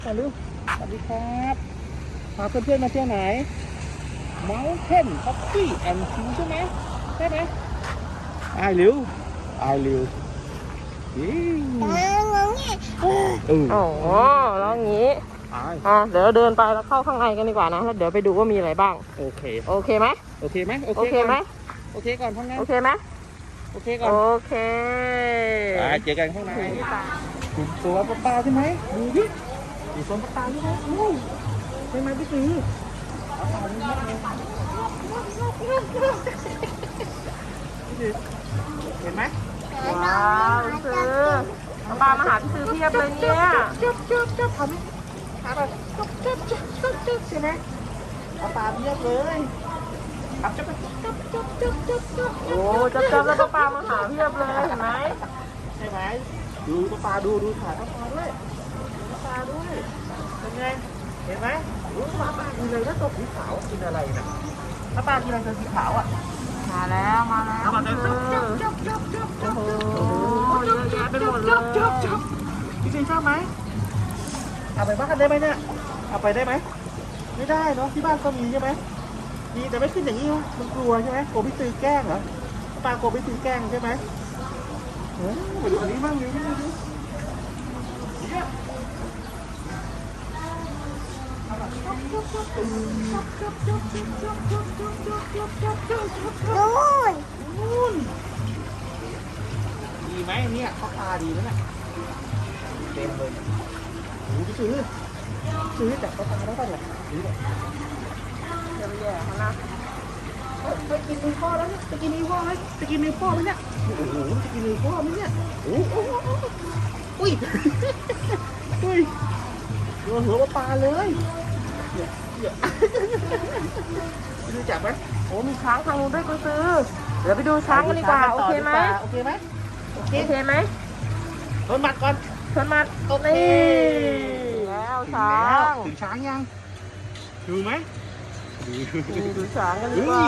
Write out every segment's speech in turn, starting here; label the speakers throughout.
Speaker 1: มาลูกสวัสดีครับพาเพื่อนๆมาเที่ยวไหน Mountain Coffee and Tea ใช่ไหมไอ้ลิว
Speaker 2: โอ้โหแล้วงี้เดี๋ยวเราเดินไปแล้วเข้าข้างในกันดีกว่านะแล้วเดี๋ยวไปดูว่ามีอะไรบ้าง
Speaker 1: โอเค
Speaker 2: ไหม
Speaker 1: โอเคก่อนข้างใน
Speaker 2: โอเคไหม
Speaker 1: ก่อน
Speaker 2: โอเค
Speaker 1: เจอกันข้างในสวนปลาใช่ไหมดูดิสวนปลาใช่ไหมใช่ไหมพี่ตีเห็นไหม
Speaker 2: ว้าวซื้อปลามาหาพี่ซื้อเพียบเลยเนี่ย
Speaker 1: จับทำไหมแบบจับใช่ไหมปลาเพียบเลยจับ
Speaker 2: โอ้จับแล้วปลามาหาเพียบเลยเห็นไหม
Speaker 1: ใช่ไหมดูปลาดูถ่ายปลาด้วยเป็นไงเห็นไหมปลากินอะไรก็ตัวสีขาวกินอะไรนะปลากินอะไรตัวสีขาวอ่ะ
Speaker 2: มาแล้วโอ้โหเยอะแยะไปหมดเลย
Speaker 1: พี่ชอบไหมเอาไปบ้านได้ไหมเนี่ยเอาไปได้ไหมไม่ได้เนาะที่บ้านก็มีใช่ไหมมีแต่ไม่ขึ้นอย่างนี้มันกลัวใช่ไหมโกพี่ตือแกล้งเหรอปลาโกพี่ตือแกล้งใช่ไหมมาดูอันนี้บ้างดูนู่นดีไหมเนี่ยเขาตาดีแล้วเนี่ยเต็มเลยดูซื้อจากเขาตาแล้วป่ะเนี่ย
Speaker 2: เยอะแยะเขานะ
Speaker 1: ไปกินมือพ่อแล้วเนี่ยไปกินมือพ่อไหมเนี่ยโอ้โหจะกินมือพ่อไหมเนี่ยอุ้ยหัวปลาเลยดูจับไหม
Speaker 2: โอ้มีช้างทางนู้นด้วยกูซื้อเดี๋ยวไปดูช้างกันดีกว่าโอเคไหม
Speaker 1: ชนมัดก่อน
Speaker 2: นี่แล้วช้าง
Speaker 1: ถึงช้างยังดูไหม
Speaker 2: ดูช้างกันดีกว่า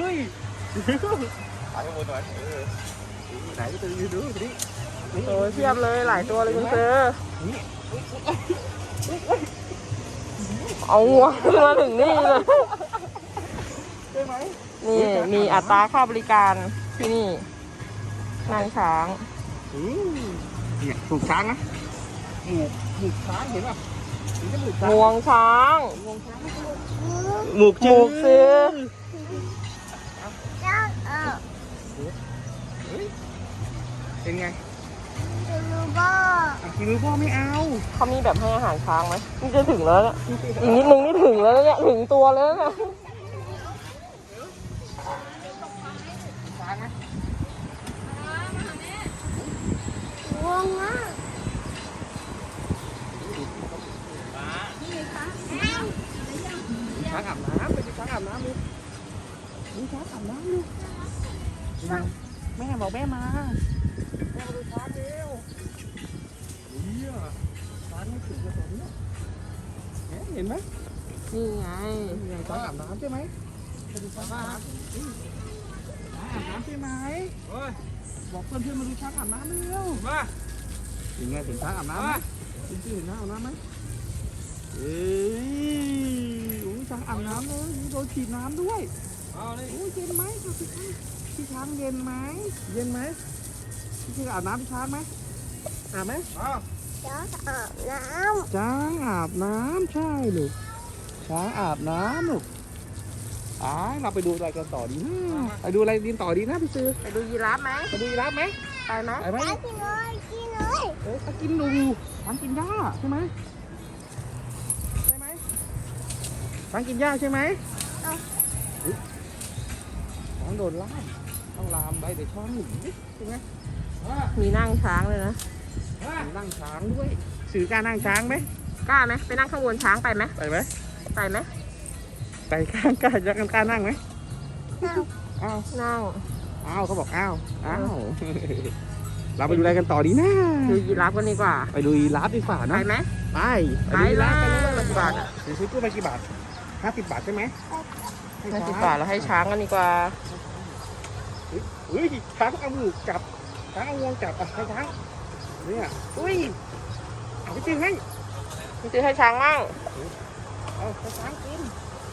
Speaker 1: ถ่ายข้างบนหน่อยไหนตัวดูดิ
Speaker 2: โอ้ยเทียบเลยหลายตัวเลยคุณซื้อเอาหัวมาถึงนี่เลย
Speaker 1: ใช่ไหม
Speaker 2: นี่มีอัตราค่าบริการที่นี่นางช้าง
Speaker 1: เนี่ยถูกช้างนะหมูช้างเห็นป่ะ
Speaker 2: งวงช้าง
Speaker 1: หมู
Speaker 2: ซื้อ
Speaker 1: เป็นไงกินมือพ่อไม่เอา
Speaker 2: เขามีแบบให้อาหารช้างไหมนี่จะถึงแล้วเนี่ยอีกนิดนึงนี่ถึงแล้วเนี่ยถึงตัวแล้วเนี่ย
Speaker 1: ช้างนะ
Speaker 3: งงอ่ะ
Speaker 1: ช้างอาบน้ำไปดูช้างอาบน้ำดูช้างอาบน้ำดูแม่บอกแม่มาดูช้างเร็วช้างไม่ถึงกระสอบเนี่ยเห็นไหม
Speaker 2: นี่ไง
Speaker 1: ช้างอาบน้ำใช่ไหมไปดูช้างอาบน้ำใช่ไหมบอกเพื่อนมาดูช้างอาบน้ำเร็วมาถึงไงถึงช้างอาบน้ำไหมถึงช้างอาบน้ำไหมช้างอาบน้ำเลยโดนฉีดน้ำด้วยเย็นไหมพี่ช้างเย็นไหมพี่อาบน้ำพี่ช้างไหมอาบไหม
Speaker 3: ช้างอาบน้
Speaker 1: ำใช่ลูกช้างอาบน้ำลูกเราไปดูอะไรกันต่อดีนะไปดูอะไรต่อดีนะพี่ซื้อ
Speaker 2: ไปดูยีราฟไหม
Speaker 1: ไปดูยีราฟไหม
Speaker 2: ไปไหม
Speaker 3: กินเลย
Speaker 1: กินดูช้างกินหญ้าใช่ไหมช้างกินหญ้าใช่ไหมช้างโดนล่ามต้องลามไปแต่ช้างหนีใช่ไหม
Speaker 2: มีนั่งช้างเลยนะ
Speaker 1: มีนั่งช้างด้วยซื้อกล้านั่งช้างไหม
Speaker 2: กล้าไหมไปนั่งข้างบนช้างไปไหม
Speaker 1: ไปกล้านั่งไหม
Speaker 2: นั่ง
Speaker 1: เขาบอกเราไปดูอะไรกันต่อดีนะ
Speaker 2: ดูยีราฟกันดีกว่า
Speaker 1: ไปดูยีราฟดีกว่านะ
Speaker 2: ไปไหม
Speaker 1: ไป
Speaker 2: แล้ว
Speaker 1: กี่บาทซื้อตู้ไปกี่บาท50 บาทใช่ไหม
Speaker 2: 50 บาทแล้วให้ช้างกันดีกว่า
Speaker 1: ช้างเอามือจับช้างเอางวงจับให้ช้างเนี่ยเอาไปจริงให้
Speaker 2: พี่ซื้อให้ช้างมั่ง
Speaker 1: เอาไปช้างกิน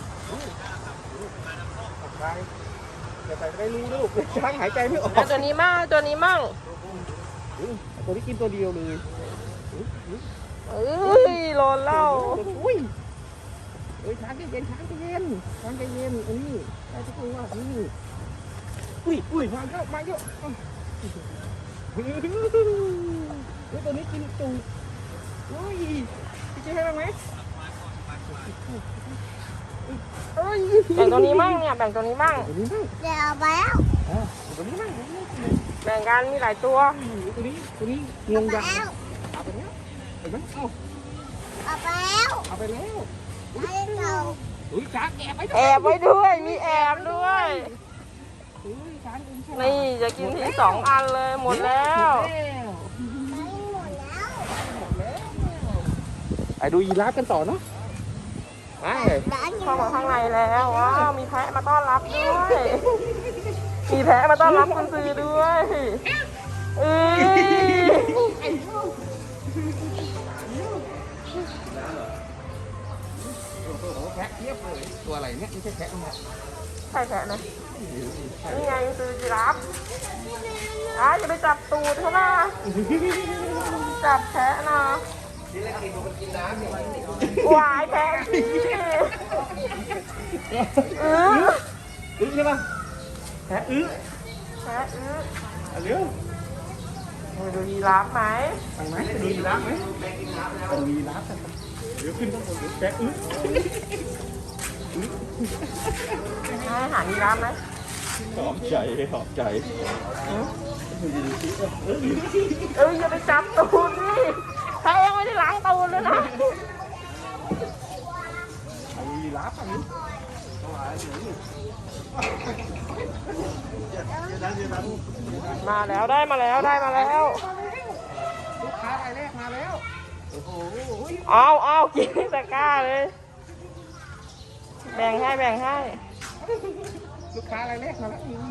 Speaker 1: ไปเดี๋ยวใส่ไปรู้ลูกช้างหายใจไม่ออก
Speaker 2: เอาตัวนี้มั่งตัวนี้มั่ง
Speaker 1: ตัวนี้กินตัวเดียวเลย
Speaker 2: เอ้ยโลนเหล่า
Speaker 1: อุ้ยช้างใจเย็นช้างใจเย็นช้างใจเย็นอันนี้ได้ทุกคนว่านี่อุ้ยมาเยอะมาเยอะตัวนี้กินตูอุ้ยพี่เจ๊ให้บ้างไหม
Speaker 2: แบ่งตัวนี้มั่งเนี่ยแบ่งตัวนี้มั่ง
Speaker 1: ตัวนี้มั่ง
Speaker 3: เดี๋ยวไปแล้ว
Speaker 1: ตัวนี้มั่ง
Speaker 2: แบ่งกันมีหลายตัว
Speaker 1: ตัวนี้งงยังเอาไปแล้วเห็นไหมเอา
Speaker 3: เอาไปแล้ว
Speaker 1: เอาไปแล้ว
Speaker 3: ให้เรา
Speaker 1: อุ้ยช้างแอบไป
Speaker 2: แอบไว้ด้วยมีแอบด้วย
Speaker 1: อุ้ยช้างกินใช่
Speaker 2: นี่จะกินที2 อันเลยหมดแล้ว
Speaker 3: ไปหมดแล้ว
Speaker 1: ไปดูยีราฟกันต่อเนาะไป
Speaker 3: ร้าน
Speaker 2: เข้ามาข้างในแล้วว้าวมีแพะมาต้อนรับด้วยมีแพะมาต้อนรับคุณซื้อด้วยเอ้ย
Speaker 1: แพะเทียบเลยตัวอะไรเนี่ยไม่ใช่แพะนะ
Speaker 2: ใช่แพะนะนี่ไงซื้อจีราฟอย่าไปจับตูดเขานะจับแพะนะวายแพะพี่
Speaker 1: ใช่ป่ะแพะ
Speaker 2: แพะ
Speaker 1: เร็ว
Speaker 2: ไปดูยีราฟไหม
Speaker 1: ไปไหมไปดูยีราฟไหมไปดูยีราฟกันเดี๋ยวขึ้นข้างบนแพะ
Speaker 2: ให้อาหารยีราฟไหม
Speaker 1: หอมใจหอมใจ
Speaker 2: อย่าไปจับตูดนี่ถ้าเองไม่ได้ล้างตูดเลยนะ
Speaker 1: ยีราฟอันนี้
Speaker 2: มาแล้วได้มาแล้วได้มาแล้ว
Speaker 1: ลูกค้ารายแรกมาแล้วโอ้โห
Speaker 2: เอากินตะกร้าเลยแบ่งให้
Speaker 1: ลูกค้ารายแรกมาแล้วนี่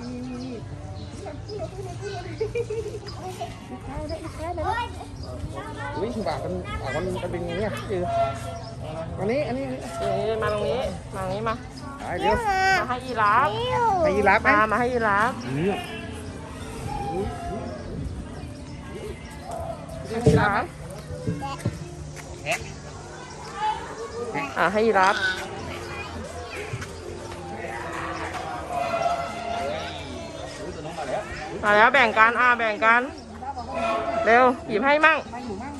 Speaker 1: อุ้ยถือว่ามันเป็นอย่างนี้คืออันนี้
Speaker 2: มาตรงนี้มา
Speaker 1: เดี๋ยว
Speaker 2: มาให้ยีราฟ
Speaker 1: ให้ยีราฟไหม
Speaker 2: มาให้ยีราฟให้ยีราฟให้ยีราฟมาแล้วแบ่งกันแบ่งกันเร็วหยิบให้มั่ง
Speaker 1: ให้หนูมั่ง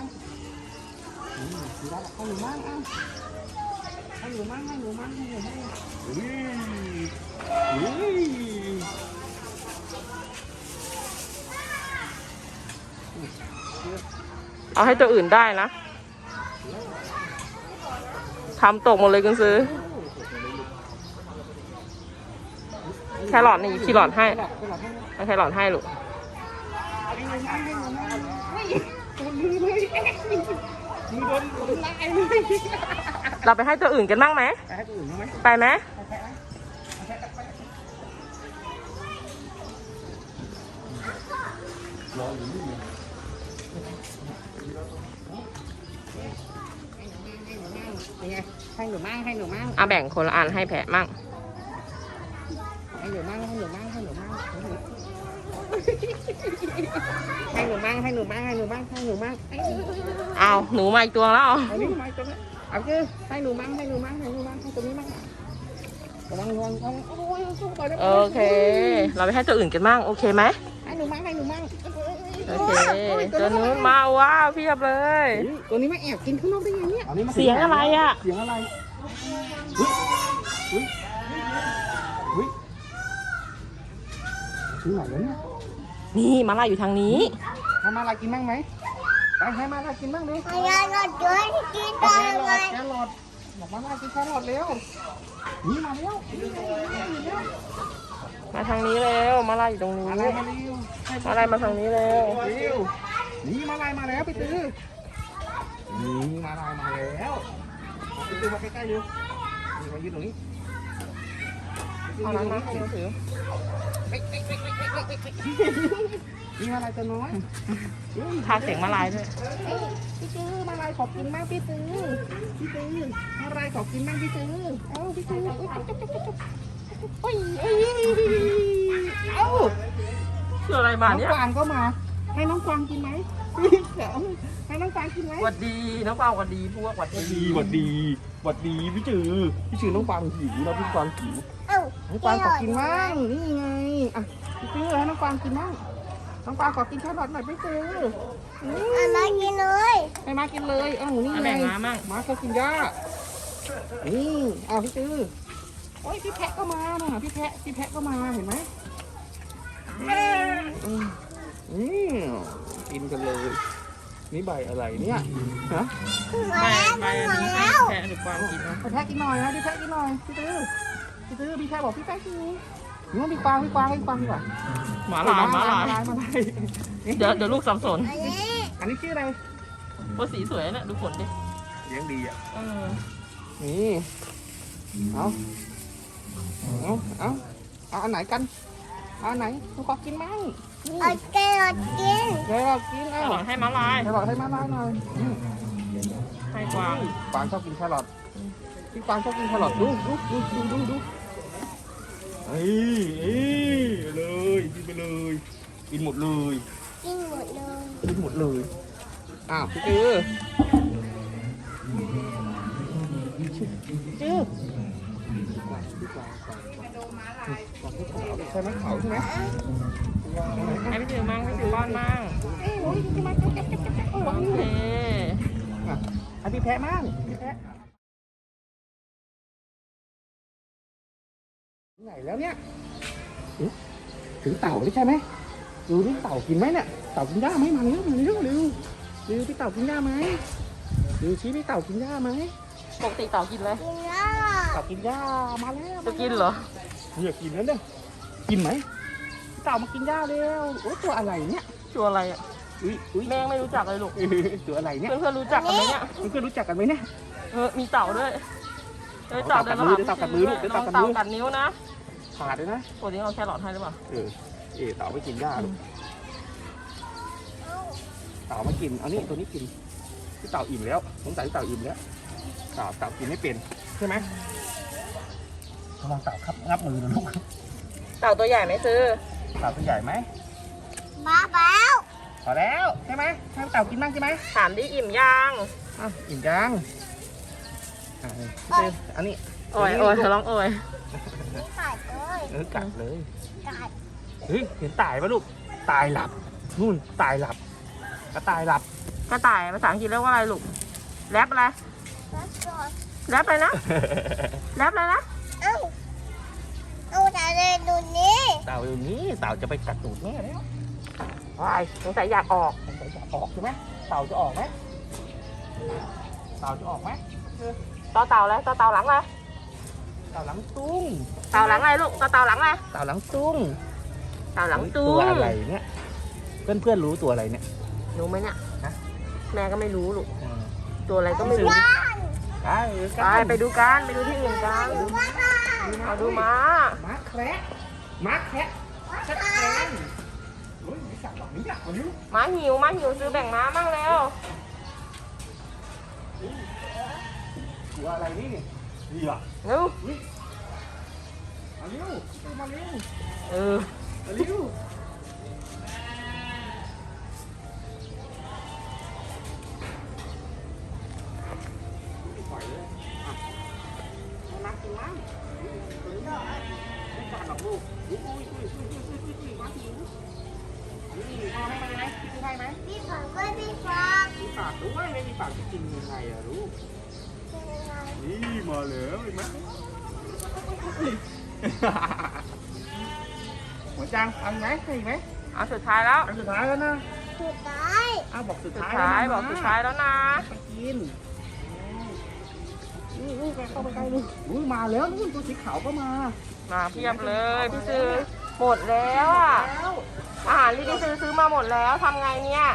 Speaker 2: เอาให้ตัวอื่นได้นะทำตกหมดเลยคุณซื้อแครอทนี่แครอทให้แครอทให้ลูกเราไปให้ตัวอื่นกันบ้างไหมไปไหม
Speaker 1: ให้หนูมั่ง
Speaker 2: แบ่งคนละอันให้แพะมั่ง
Speaker 1: ให้หนูมั่ง
Speaker 2: เอาหนูมาอีกตัวแล้ว
Speaker 1: อันนี้มาตัวนี้เอาคือให้หนูมั่งให้ตัวนี้มั่งระวัง
Speaker 2: โอเคเราไปให้ตัวอื่นกันมั่งโอเคไหม
Speaker 1: ให้หนูมั่ง
Speaker 2: โอเคตัวนู้นมาว้าวเพียบเลย
Speaker 1: ตัวนี้มาแอบกินข้างนอกได้ไงเนี่ย
Speaker 2: เสียงอะไรอ่ะ
Speaker 1: เสียงอะไรถึงไหนแล้วเนี่ย
Speaker 2: นี่มาลายอยู่ทางนี้
Speaker 1: ให้มาลายกินบ้างไหมไปให้มาลายกินบ้างดิ
Speaker 3: ให้เราด้วยกินไปเลย
Speaker 1: แครอทบอกมาลายกินแครอทเร็วนี่มาแล้ว
Speaker 2: มาทางนี้เร็วมาลายอยู่ตรงนี้มาลายมาทางนี้เร็ว
Speaker 1: นี่มาลายมาแล้วไปตื้อนี่มาลายมาแล้วไปตื้อมาใกล้ๆดูนี่มายืนตรงนี้
Speaker 2: เอาน้ำมาให้เราถือ
Speaker 1: มีมาลายตัวน้อย
Speaker 2: พากย์เสียงมาลายด้วย
Speaker 1: พี่จื้อมาลายขอกินบ้างพี่จื้อมาลายขอกินบ้างพี่จื้อเอ้าพี่จื้อโอ้ยเอ้า
Speaker 2: คืออะไรมา
Speaker 1: น้อง
Speaker 2: เนี่ย
Speaker 1: กวางก็มา ให้น้องกวางกินไหมให้น้องกวางกินไหม
Speaker 2: หวัดดีน้องเปาหวัดดีพวกหวัดดี
Speaker 1: หวัดดีพี่จือน้องกวางหิวนะพี่กวางหิว
Speaker 3: เอ้า
Speaker 1: น้องกวางขอกินบ้างนี่ไงอ่ะพี่จื้อให้น้องกวางกินบ้างน้องกวางขอกินแครอทหน่อยพี่จื้อ
Speaker 3: เอามากินเลย
Speaker 1: ให้มากินเลยเอ้านี่
Speaker 2: เอา
Speaker 1: ไง
Speaker 2: แบ่งมามั่ง
Speaker 1: มาเขากินหญ้านี่เอาพี่จื้อโอ้ยพี่แพะก็มาน่ะพี่แพะก็มาเห็นไหมกินกันเลย นี่ใบอะไรเนี่ยฮะ
Speaker 3: มา
Speaker 2: ไม่
Speaker 3: แล้ว
Speaker 2: ไม่อัน
Speaker 3: มา
Speaker 2: นี้ให้
Speaker 3: แล้ว
Speaker 2: แพะหรือกวางกินนะ
Speaker 1: พี่แพะกินหน่อยนะพี่แพะกินหน่อยพี่จื้อพี่แพะบอกพี่แพะกินนู้นพี่กวางให้กวางดีกว่า
Speaker 2: หมาลายหมาลาย
Speaker 1: มาลาย
Speaker 2: เดี๋ยวลูกสับสน
Speaker 3: อันนี้
Speaker 1: อันนี้ชื่ออะไร
Speaker 2: ว่าสีสวยเนี่ยดูขนดิ
Speaker 1: เลี้ยงดีอ่ะ
Speaker 2: เออ
Speaker 1: นี่เอาอันไหนกันเอาอันไหนหนูขอกินมั้ง
Speaker 3: เอาแกรอทกิน
Speaker 1: เดี๋ยวเรากิน
Speaker 2: แค
Speaker 1: เอา
Speaker 2: รอทให้ม้าลาย
Speaker 1: แครอทให้มาลายหน่อย
Speaker 2: ให้กวาง
Speaker 1: กวางชอบกินแครอทพี่กวางชอบกินแครอทดูเอ้ยเลยกินไปเลยกินหมดเลย
Speaker 3: กินหมดเลย
Speaker 1: กินหมดเลยอ้าวพี่จื้อใช่ไหมเขาใช่ไหม
Speaker 2: ให้พี่ถือมั่งพี่ถือป้อนมั่งโอเค
Speaker 1: อ่ะพี่แพะมั่งพี่แพะไหนแล้วเนี่ยถึงเต่าใช่ไหมดูนี่เต่ากินไหมเนี่ยเต่ากินหญ้าไหมมาเร็วพี่เต่ากินหญ้าไหมดูชี้พี่เต่ากินหญ้าไหม
Speaker 2: ปกติเต่ากินเลย
Speaker 3: กินแล้ว
Speaker 1: เต่ากินหญ้ามาแล้ว
Speaker 2: จะกินเหรอ
Speaker 1: เนี่ยกินแล้วเนี่ยกินไหมเต่ามากินหญ้าเร็วโอ้ตัวอะไรเนี่ย
Speaker 2: ตัวอะไรอ่ะ
Speaker 1: อุ้ย
Speaker 2: แม่งไม่รู้จักเลยลูก
Speaker 1: ตัวอะไรเนี่ย
Speaker 2: เพื่อนๆรู้จักกันไหมเนี่ย
Speaker 1: เพื่อนรู้จักกันไหมเนี่ย
Speaker 2: มีเต่าด้วยเต่าเดินมาหาพี่ซื้อด้วยน้องเต่ากัดนิ้วนะ
Speaker 1: ขาดเลยนะ
Speaker 2: ปกติเอาแครอทให้หรือเปล่า
Speaker 1: เต่าไม่กินหญ้าลูกเต่าไม่กินเอานี่ตัวนี้กินที่เต่าอิ่มแล้วสงสัยเต่าอิ่มแล้วเต่ากินไม่เป็นใช่ไหมระวังเต่าครับงับมือนะลูก
Speaker 2: เต่าตัวใหญ่ไหมซื้อ
Speaker 1: เต่าตัวใหญ่ไหม
Speaker 3: มาแล้ว
Speaker 1: พอแล้วใช่ไหมให้เต่ากินบ้างใช่ไหม
Speaker 2: ถามดิอิ่มยัง
Speaker 1: อิ่มยังอันนี้
Speaker 2: โอ้ยเธอร้องโอ้ย
Speaker 3: นี่ขาดเลย
Speaker 1: กัดเลย
Speaker 3: กัด
Speaker 1: เฮ้ยเห็นตายปะลูกตายหลับนู่นตายหลับกระต่ายหลับ
Speaker 2: กระต่ายภาษาอังกฤษเรียกว่าอะไรลูกแรปอะไร
Speaker 3: แล้วก็
Speaker 2: แรปอะไรนะแรปอะไรนะ
Speaker 3: เอ้าเอาแต่เลยดูนี่
Speaker 1: เต่าอยู่นี้เต่าจะไปกัดตูดแม่แล้ว
Speaker 2: วายสงสัยอยากออก
Speaker 1: จะออกใช่ไหมเต่าจะออกไหมเต่าจะออกไหม
Speaker 2: ต่อเต่าแล้วต่อเต่าหลังเลย
Speaker 1: เต่าหลังตุ้ง
Speaker 2: เต่าหลังอะไรลูกต่อเต่าหลังอะไร
Speaker 1: เต่าหลังตุ้ง
Speaker 2: เต่าหลังตู
Speaker 1: ตัวอะไรเนี่ยเพื่อนรู้ตัวอะไรเนี่ย
Speaker 2: รู้ไหมเนี่ย
Speaker 1: ฮะ
Speaker 2: แม่ก็ไม่รู้ลูกตัวอะไรก็ไม่รู้ ไปดูกันไปดูที่อื่นกันเอาดูม้า
Speaker 1: ม้าแคระม้าแคระชัดเจนโอ้ยไม่กัดหรอกไม่กัดวันนี้
Speaker 2: ม้าหิวซื้อแบ่งม้ามั่งแล้ว
Speaker 1: ตัวอะไรนี่ดีอ่ะ
Speaker 2: เร็ว
Speaker 1: มาเร็วมาเร็ว
Speaker 2: เออ
Speaker 1: มาเร็วปล่อยเลยอ่ะนักกินมั้งไม่กัดหรอกลูกอุ้ยมาหิวนี่เอาให้มันไหมพี่ซื้อให้ไหม
Speaker 3: พี่ฝากด้วยพี่ฝาก
Speaker 1: มีปากด้วยไม่มีปากจะกินยังไงอะลูก นี่มาแล้วเห็นไหมหัวจางทำไหมใช่ไหม
Speaker 2: เอาสุดท้ายแล้ว
Speaker 1: อันสุดท้ายแล้วนะ
Speaker 3: สุดท้าย
Speaker 1: อ้าวบอกสุด
Speaker 2: สุด
Speaker 1: ท้าย
Speaker 2: ท้าย
Speaker 1: แล้วนะ
Speaker 2: บอกสุดท้ายแล้วนะ
Speaker 1: ไปกินนี่เข้าไปใกล้ลูกอุ้ยมาแล้วนู่นตัวสีขาวก็มา
Speaker 2: มาเพียบเลยพี่ซื้อหมดแล้วอ่ะ
Speaker 1: แล้ว
Speaker 2: อาหารที่พี่ซื้อมาหมดแล้วทำไงเนี่ย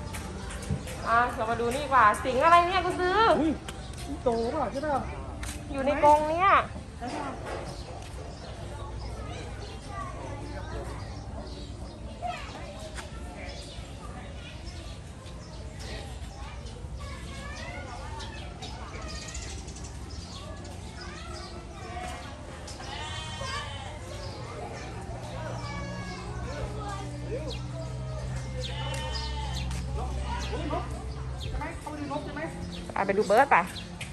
Speaker 2: เรามาดูนี่ดีกว่าสิงอะไรเนี่ยกูซื้อ
Speaker 1: อุ้ยโตป่ะใช่ป่ะ
Speaker 2: อยู่ในกรงเนี่ยไปดูเบิร์ดไป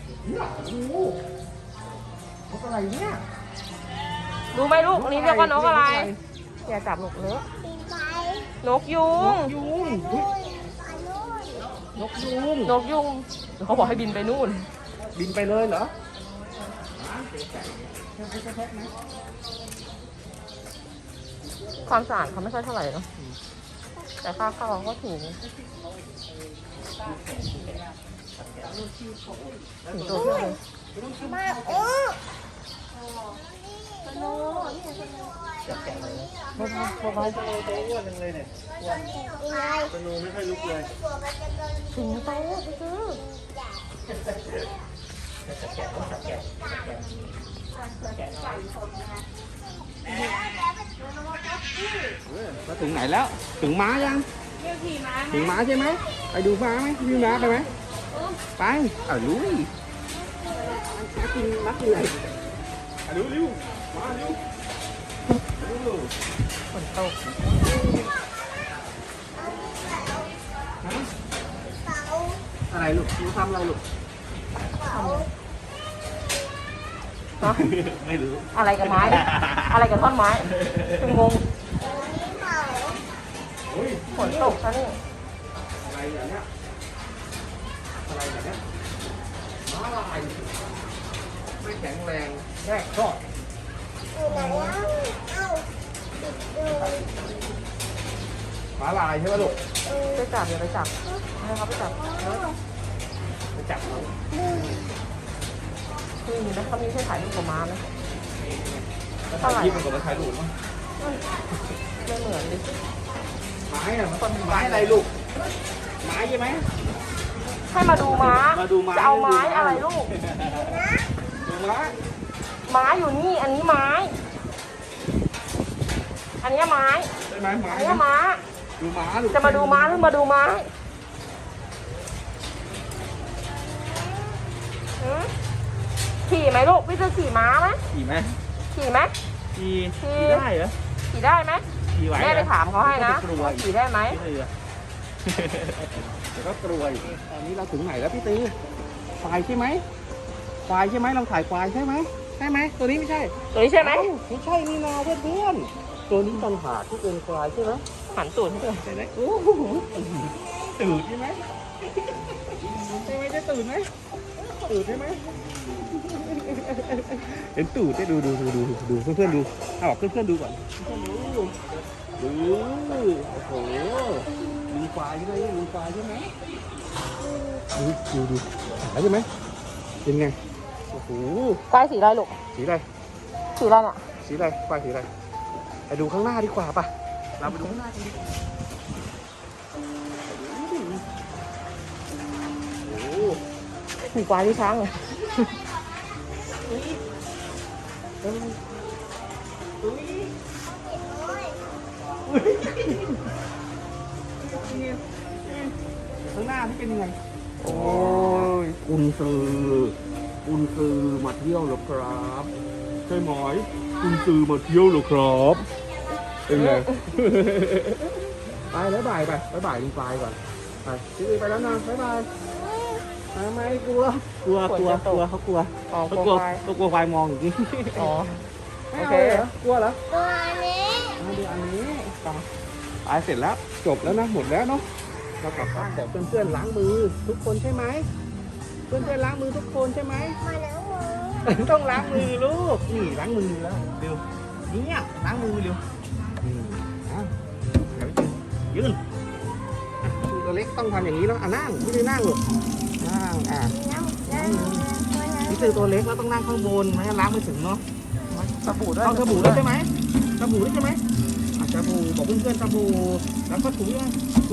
Speaker 1: นกอะไรเนี่ย
Speaker 2: ดูไหมลูกอันนี้เรียกว่านกอะไรอย่าจับลูกเลอะ
Speaker 3: ปีนไป
Speaker 2: นกยุง
Speaker 1: ยุง
Speaker 3: นู่นไปนู่น
Speaker 1: นกยุง
Speaker 2: นกยุงเขาบอกให้บินไปนู่น
Speaker 1: บินไปเลยเหรอ
Speaker 2: ความสะอาดเขาไม่ค่อยเท่าไหร่เนาะแต่ค่าเข้าเขาก็ถูกถึงตัวเพื่อนเลย
Speaker 3: มาโอ้
Speaker 1: พวกเขาจะตัวอ้วนเลยเนี่ย
Speaker 3: ยังไง
Speaker 1: สนูไม่ค่อยลุกเลย
Speaker 3: ตัวมันจะเดิน
Speaker 2: ถึงโตไปซื้อ
Speaker 1: มาถึงไหนแล้ว ถึงม้ายัง ถึงม้าใช่ไหม ไปดูม้าไหมดูม้าไปไหมไปลุยม้ากินอะไรเร็วมาเร็ว
Speaker 2: ฝนตก
Speaker 3: เขา
Speaker 1: อะไรลูกหนูทำอะไรลูก
Speaker 3: เขา
Speaker 2: เนาะ
Speaker 1: ไม่รู้
Speaker 2: อะไรกับไม้ อะไรกับท่อนไม้งง
Speaker 3: เขา
Speaker 2: ฝนตกซะนี่
Speaker 1: อะไรอย่างเนี้ยอะไรอย่างเนี้ยม้าลายไม่แข็งแรงแค่ชอบ
Speaker 3: อยู่ไหนอ่ะเอ้าติดอยู่
Speaker 1: ม้าลายใช่ไหมลูก
Speaker 2: ไปจับอย่าไปจับให้เขาไปจับ
Speaker 1: ไปจับเขา
Speaker 2: คือมีนะเขามีให้ถ่ายรูปกับม้าไหม
Speaker 1: ถ่ายคลิปมันก็มาถ่ายรูปมั้ง
Speaker 2: ไม่เหมือนดิ
Speaker 1: ไม้อะมันไม้อะไรลูกไม้ใช่ไหม
Speaker 2: ให้มาดูม้า
Speaker 1: มาดูม้า
Speaker 2: จะเอาไม้อะไรลูก
Speaker 1: ดูม้า
Speaker 2: ไม้อยู่นี่ อันนี้ไม้ อันนี้ไม้
Speaker 1: ใช่ไหมไม้
Speaker 2: อันนี้ม้า
Speaker 1: ดูม้าลูก
Speaker 2: จะมาดูม้าหรือมาดูไม้หือขี่ไหมลูก พี่จะขี่ม้าไหม
Speaker 1: ขี่ไหม
Speaker 2: ขี่ไหม
Speaker 1: ขี่
Speaker 2: ขี่
Speaker 1: ได้เหรอ
Speaker 2: ขี่ได้ไหม
Speaker 1: ขี่ไหว
Speaker 2: แม่ไปถามเขาให้นะ
Speaker 1: กลัวอีก
Speaker 2: ขี่ได้ไหม
Speaker 1: พี่ตือเดี๋ยวก็กลัวอีกตอนนี้เราถึงไหนแล้วพี่ตือควายใช่ไหมควายใช่ไหมเราถ่ายควายใช่ไหมใช่ไหมตัวนี้ไม่ใช่
Speaker 2: ตัวนี้ใช่ไหม
Speaker 1: ไม่ใช่นี่นาเพื่อนๆตัวนี้ต่างหากที่เป็นควายใช่ไหม
Speaker 2: หันตูดให้ด้วย
Speaker 1: เห็นไหมโอ้โหตื่นใช่ไหมใช่ไหมได้ตื่นไหมตื่นใช่ไหมเห็นตูดได้ดูเพื่อนๆดูเอาบอกเพื่อนๆดูก่อนเพื่อนๆดูโอ้โหมีควายใช่ไหมมีควายใช่ไหมดูหายใช่ไหมเป็นไงโอ้โห
Speaker 2: ควายสีอะไรลูก
Speaker 1: สีอะไร
Speaker 2: สีอะไรเนี่ย
Speaker 1: สีอะไรควายสีอะไรไปดูข้างหน้าดีกว่าป่ะเราไปดูข้างหน้ากันดีกว่าโอ้โห
Speaker 2: มีควายที่ช้างเลย
Speaker 1: ข้างหน้าที่เป็นยังไง
Speaker 2: โอ้ย
Speaker 1: กุนซือมาเที่ยวเหรอครับใช่ไหมกุนซือมาเที่ยวเหรอครับเป็นไง ไปแล้วบ่ายไปบ่ายลุงปลายก่อนไปพี่ไปแล้วนะบ๊ายบายไม่กลัวเขากลัว
Speaker 2: อ๋อ
Speaker 1: เขา
Speaker 2: ก
Speaker 1: ก
Speaker 2: ลั
Speaker 1: ลั
Speaker 2: ว
Speaker 1: ว
Speaker 2: ควาย
Speaker 1: เขากลัวควายมองอย่างนี้
Speaker 2: อ๋อ
Speaker 1: ไม่
Speaker 2: โอ
Speaker 1: เอา
Speaker 2: เค
Speaker 1: เหรอกลัวเหรอ
Speaker 3: ตัวนี้
Speaker 1: มาดูอันนี้ไปเสร็จแล้วจบแล้วนะหมดแล้วเนาะเรากลับบ้านแต่เพื่อนๆล้างมือทุกคนใช่ไหมเพื่อนๆล้างมือทุกคนใช่ไหม
Speaker 3: มาแล้วมือ
Speaker 1: ต้องล้างมือลูกนี่ล้างมือแล้วเร็วเนี่ยล้างมือเร็วยืนตัวเล็กต้องทำอย่างนี้แล้วนั่งไม่ได้นั่งหรอกนั่งนี่คือตัวเล็กแล้วต้องนั่งข้างบนไม่งั้นล้างไม่ถึงเนาะ
Speaker 2: สบู่ด้วย
Speaker 1: เอาสบู่ด้วยใช่ไหมสบู่ด้วยใช่ไหมสบู่บอกเพื่อนๆสบู่แล้วก็ถูยังถู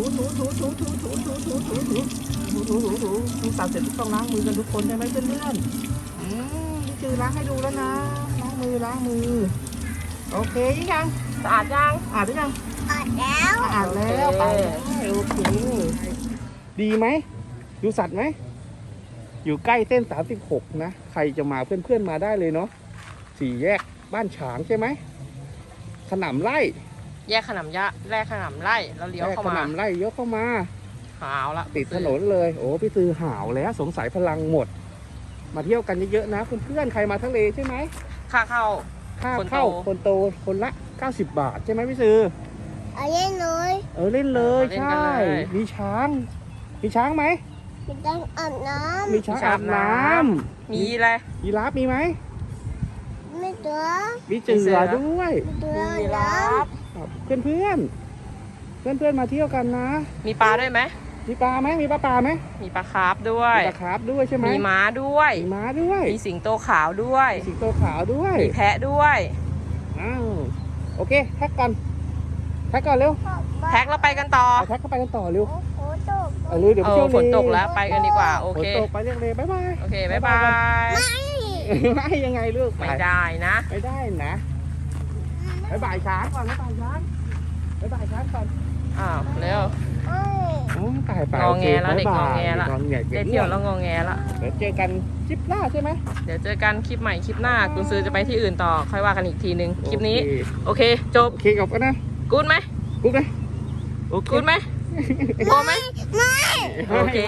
Speaker 1: ตัดเสร็จต้องล้างมือกันทุกคนใช่ไหมเพื่อนๆพี่เจจือล้างให้ดูแล้วนะล้างมือโอเคยัง
Speaker 2: สะอาดยัง
Speaker 1: อ่านหรือยัง
Speaker 3: อดแล้ว
Speaker 1: อ่านแล้วไปโอเคดีไหมดูสัตว์ไหมอยู่ใกล้เส้น36นะใครจะมาเพื่อนๆมาได้เลยเนาะ4 แยกบ้านฉางใช่ไหมขนำไร่
Speaker 2: แยกขนำยะแรกขนำไล่แล้วเลี้ยวเข้า
Speaker 1: ข
Speaker 2: มาน
Speaker 1: ำไร่เยอะเข้ามา
Speaker 2: หาวละ
Speaker 1: ติดถนนเลยโอ้พี่ตือหาวแล้วสงสัยพลังหมด มาเที่ยวกันเยอะๆนะเพื่อนๆใครมาทะเลใช่ไหม
Speaker 2: ค่าเข้า
Speaker 1: ค่า
Speaker 2: คนโต
Speaker 1: เข้าคนโตคนละ90 บาทใช่ไหมพี่ตือ
Speaker 3: เอาเล่นเลย
Speaker 1: เล่นเลย
Speaker 2: เล่น
Speaker 1: ใช่
Speaker 2: กันเลย
Speaker 1: มีช้างไหม
Speaker 3: ไม่ต้องอาบน้
Speaker 1: มีช้างอาบน้ำ
Speaker 2: มีอะไร
Speaker 1: ยีราฟมีไหม
Speaker 3: ำไม่ตัว
Speaker 1: มีเจือด้วย
Speaker 3: ไม่ตัว
Speaker 2: มี
Speaker 3: น้
Speaker 2: รับ
Speaker 1: ครับเพื่อนมาเที่ยวกันนะ
Speaker 2: มีปลาด้วยไหม
Speaker 1: มีปลาไหมมีปลาไหม
Speaker 2: มีปลาคาร์ฟด้วย
Speaker 1: มีปลาคาร์ฟด้วยใช่ไหม
Speaker 2: มีม้าด้วย
Speaker 1: มีม้าด้วย
Speaker 2: มีสิงโตขาวด้วย
Speaker 1: สิงโตขาวด้วย
Speaker 2: มีแพะด้วย
Speaker 1: อ้าวโอเคแท็กก่อนเร็ว
Speaker 3: ำ
Speaker 2: แท็กแล้วไปกันต่อ
Speaker 1: เอาแท็กเข้าไปกันต่อเร็ว
Speaker 3: โอ้โหตก
Speaker 1: เร็วเดี๋ยวไปเที่ยว
Speaker 2: ฝนตกแล้วไปกันดีกว่า โอ
Speaker 1: ฝน
Speaker 2: เค
Speaker 1: ตกไปเรียกเลยบ๊ายบาย
Speaker 2: โอเค บ๊ายบาย
Speaker 1: ไม่ยังไงลูก
Speaker 2: ไม่ได้นะ
Speaker 1: ไม่ได้นะบ๊ายบายช้างก่อนบ๊ายบายช้างก่อน
Speaker 2: อ้าว เร็ว
Speaker 3: เอ้ย
Speaker 1: โอ้ตายไป
Speaker 2: งอแงแล้วเด็กงอแงละ
Speaker 1: งอแง
Speaker 2: ได้เที่ยวแล้วงอแงละ
Speaker 1: เดี๋ยวเจอกันคลิปหน้าใช่ไหม
Speaker 2: เดี๋ยวเจอกันคลิปใหม่คลิปหน้ากุญซือจะไปที่อื่นต่อ ค่อยว่ากันอีกทีนึง คลิปนี้ โอเค จบ
Speaker 1: โอเคกับกันนะ
Speaker 2: กูดไหม
Speaker 1: กุ๊กนะโอเค
Speaker 2: กูดไหมโอไหม
Speaker 3: ไม่
Speaker 2: โอเค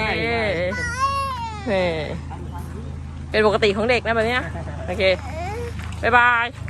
Speaker 2: นี่เป็นปกติของเด็กนะแบบเนี้ยโอเค บ๊ายบาย